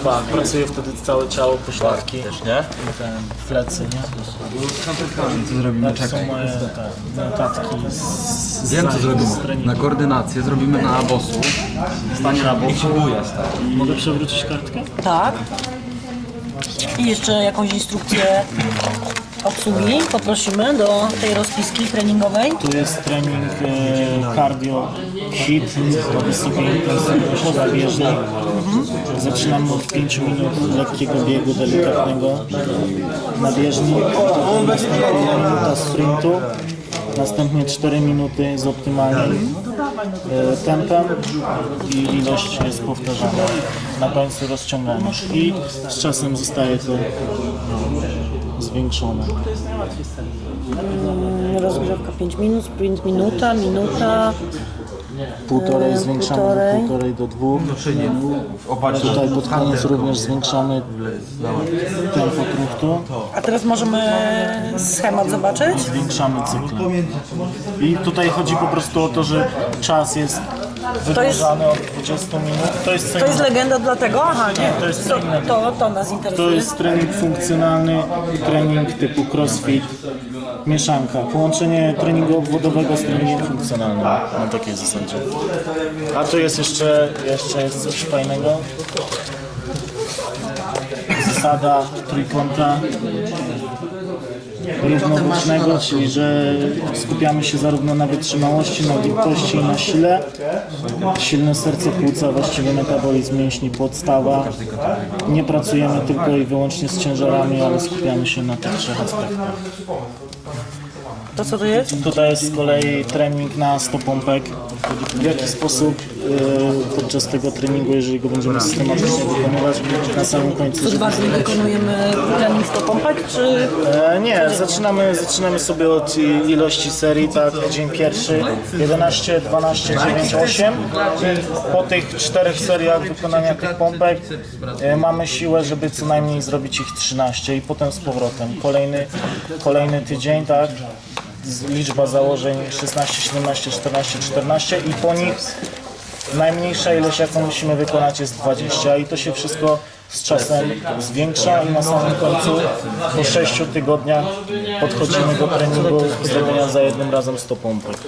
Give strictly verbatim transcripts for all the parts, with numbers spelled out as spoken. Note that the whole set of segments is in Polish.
Tak, pracuje wtedy całe ciało, pośladki. Też, nie? I ten, plecy, nie? Co zrobimy? Tak są Czekaj. moje te, notatki z, z Wiem co zajęć, zrobimy. z treningu. Na koordynację zrobimy na bosu. Stanie na bosu. Mogę przewrócić kartkę? Tak. I jeszcze jakąś instrukcję obsługi poprosimy do tej rozpiski treningowej. Tu jest trening e, cardio hit do wysokiej intensywności zabieżnej. Mhm. Zaczynamy od pięciu minut lekkiego biegu delikatnego na bieżni. Potem następuje minuta sprintu. Następnie cztery minuty z optymalnym e, tempem i ilość jest powtarzana. Na końcu rozciągamy i z czasem zostaje to zwiększone. Rozgrzewka pięć minut, sprint minuta, minuta. Półtorej E, zwiększamy półtorej. do półtorej do dwóch. Tutaj pod koniec również zwiększamy tempo truchtu. A teraz możemy schemat zobaczyć? Zwiększamy cykl. I tutaj chodzi po prostu o to, że czas jest To jest, wydłużany od dwudziestu minut. To jest co to jest innego. legenda dlatego? Aha, nie. to jest To, co innego. to, to nas To interesuje. jest trening funkcjonalny, trening typu crossfit, mieszanka. Połączenie treningu obwodowego z treningiem funkcjonalnym. Na takiej zasadzie. A tu jest jeszcze, jeszcze jest coś fajnego. Zasada trójkąta równobocznego, czyli że skupiamy się zarówno na wytrzymałości, na gibkości i na sile. Silne serce, płuca, właściwy metabolizm mięśni, podstawa. Nie pracujemy tylko i wyłącznie z ciężarami, ale skupiamy się na tych trzech aspektach. To co to jest? Tutaj jest z kolei trening na sto pompek. W jaki sposób yy, podczas tego treningu, jeżeli go będziemy systematycznie wykonywać, na samym końcu... Co dwa dni wykonujemy trening sto pompek, czy... E, nie, zaczynamy, zaczynamy sobie od i- ilości serii, tak, dzień pierwszy, jedenaście, dwanaście, dziewięć, osiem i po tych czterech seriach wykonania tych pompek e, mamy siłę, żeby co najmniej zrobić ich trzynaście i potem z powrotem. Kolejny, kolejny tydzień, tak, z- liczba założeń szesnaście, siedemnaście, czternaście, czternaście i po nich najmniejsza ilość, jaką musimy wykonać, jest dwadzieścia i to się wszystko z czasem zwiększa i na samym końcu po sześciu tygodniach podchodzimy do treningu zrobienia za jednym razem sto pompek.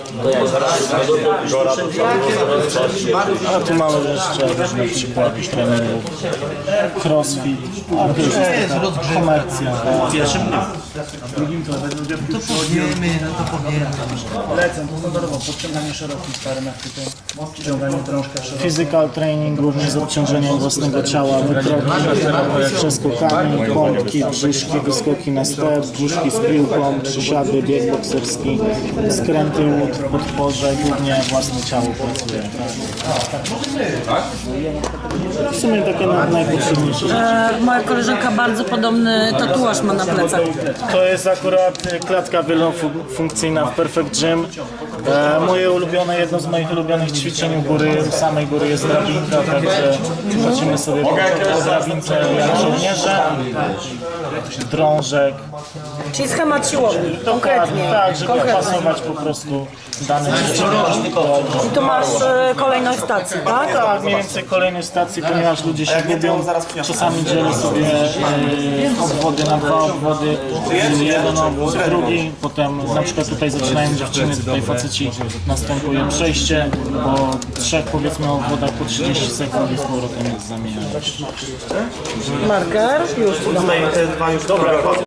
A tu mamy jeszcze różne przykłady treningów. Crossfit, a to już jest taka komercja. W pierwszym dniu. W drugim to to powiemy, no to powiemy. Lecę, to standardowo, podciąganie szerokim starym achwytem, ściąganie drążka szeroką. Physical training również z obciążeniem własnego ciała, wykroki, przeskokami, pompki, brzuszki, wyskoki na step, brzuszki z piłką, przysiady, bieg bokserski, skręty łód, podporze, głównie własne ciało pracuje. Tak? W sumie takie na- najpotrzebniejsze rzeczy. E, moja koleżanka bardzo podobny tatuaż ma na plecach. To jest akurat e, klatka wielofunkcyjna w Perfect Gym. E, moje ulubione, jedno z moich ulubionych ćwiczeń u góry, u samej góry jest drabinka, także chodzimy sobie po, po drabince jak żołnierze, drążek. Czyli schemat siłowni, konkretnie. Tak, żeby konkretnie. pasować po prostu dane ćwiczenie. I tu masz e, kolejność stacji, tak? Tak, mniej więcej kolejnej stacji, ponieważ ludzie się gubią. Czasami dzielę sobie e, obwody na dwa obwody, jeden obwód, drugi, potem na przykład tutaj zaczynają dziewczyny, tutaj faceci, następuje przejście, po trzech powiedzmy obwodach po trzydzieści sekund i z powrotem jest zamieniane. Marker, już. Dobra,